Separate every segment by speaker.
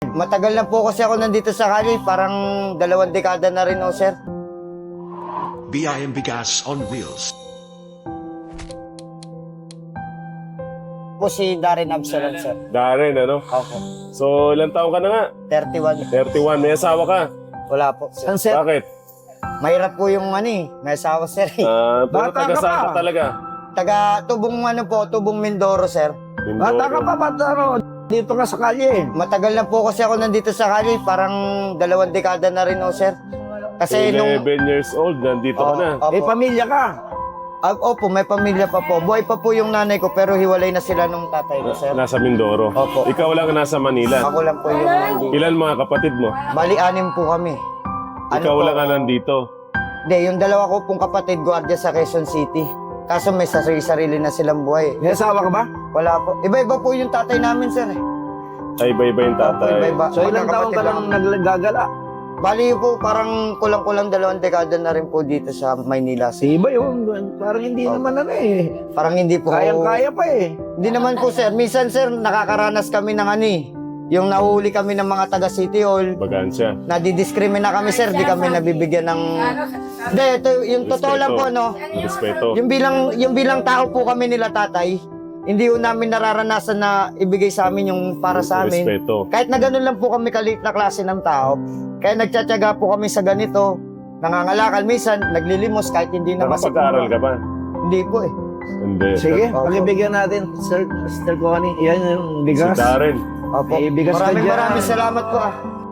Speaker 1: Matagal na po kasi ako nandito sa Cali, parang 2 dekada na rin, sir.
Speaker 2: BIM Bigas on Wheels.
Speaker 1: Po si Darren Absalom, sir.
Speaker 3: Darren, ano?
Speaker 1: Opo.
Speaker 3: So, ilang taon ka na nga?
Speaker 1: 31.
Speaker 3: 31. May asawa ka?
Speaker 1: Wala po, sir.
Speaker 4: Sir,
Speaker 3: Bakit?
Speaker 1: Mahirap po yung may asawa, sir.
Speaker 3: Pero
Speaker 4: Bata ka
Speaker 3: taga-saan ka
Speaker 4: pa.
Speaker 3: talaga?
Speaker 1: Taga Tubong Tubong Mindoro, sir.
Speaker 4: bata ka pa, dito ka sa kalye.
Speaker 1: Matagal na po kasi ako nandito sa Cali, parang 2 dekada na rin, sir. Kasi
Speaker 3: 11 years old, nandito ka na.
Speaker 1: Opo.
Speaker 4: May pamilya ka.
Speaker 1: Opo, may pamilya pa po. Buhay pa po yung nanay ko, pero hiwalay na sila nung tatay ko, sir.
Speaker 3: Nasa Mindoro.
Speaker 1: Opo.
Speaker 3: Ikaw lang nasa Manila.
Speaker 1: Ako lang po yung nandito.
Speaker 3: Ilan mga kapatid mo?
Speaker 1: Bali, 6 po kami.
Speaker 3: Ikaw
Speaker 1: po?
Speaker 3: lang ka nandito.
Speaker 1: Hindi, yung 2 ko pong kapatid, guardia sa Quezon City. Kaso may sarili na silang buhay.
Speaker 4: May asawa ka ba?
Speaker 1: Wala po. Iba-iba po yung tatay namin, sir.
Speaker 3: Ay, iba-iba yung
Speaker 1: Opo,
Speaker 3: tatay.
Speaker 1: iba-iba.
Speaker 4: So ilang taon ka lang naggagala?
Speaker 1: Bali po, parang kulang-kulang 2 dekada na rin po dito sa Maynila.
Speaker 4: Si iba yun. Parang hindi naman
Speaker 1: Parang hindi po.
Speaker 4: Kayang-kaya pa eh.
Speaker 1: Hindi naman po, sir. Minsan, sir, nakakaranas kami ng yung nahuli kami ng mga taga City Hall.
Speaker 3: Bagansya.
Speaker 1: Nadidiskrimina kami, sir. Di kami nabibigyan ng... Hindi, ito, yung totoo lang po, no?
Speaker 3: Respeto.
Speaker 1: Yung bilang tao po kami nila, tatay, hindi po namin nararanasan na ibigay sa amin yung para sa amin.
Speaker 3: Respeto.
Speaker 1: Kahit na ganun lang po kami kalit na klase ng tao, kaya nagtsatsaga po kami sa ganito, nangangalakal, minsan naglilimos kahit hindi na
Speaker 3: Nakapag-aaral ka ba?
Speaker 1: Hindi po eh.
Speaker 3: Hindi.
Speaker 4: Sige,
Speaker 1: Opo.
Speaker 4: pakibigyan natin. Sir Connie, yan yung
Speaker 3: Si
Speaker 4: bigas.
Speaker 3: Darren.
Speaker 1: Opo.
Speaker 4: May bigas ka dyan.
Speaker 1: Maraming salamat po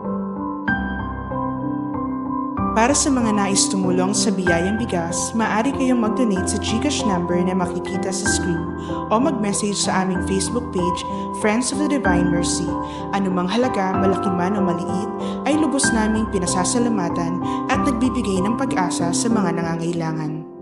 Speaker 5: Para sa mga nais tumulong sa Biyayang Bigas, maaari kayong mag-donate sa GCash number na makikita sa screen o mag-message sa aming Facebook page, Friends of the Divine Mercy. Anumang halaga, malaki man o maliit, ay lubos naming pinasasalamatan at nagbibigay ng pag-asa sa mga nangangailangan.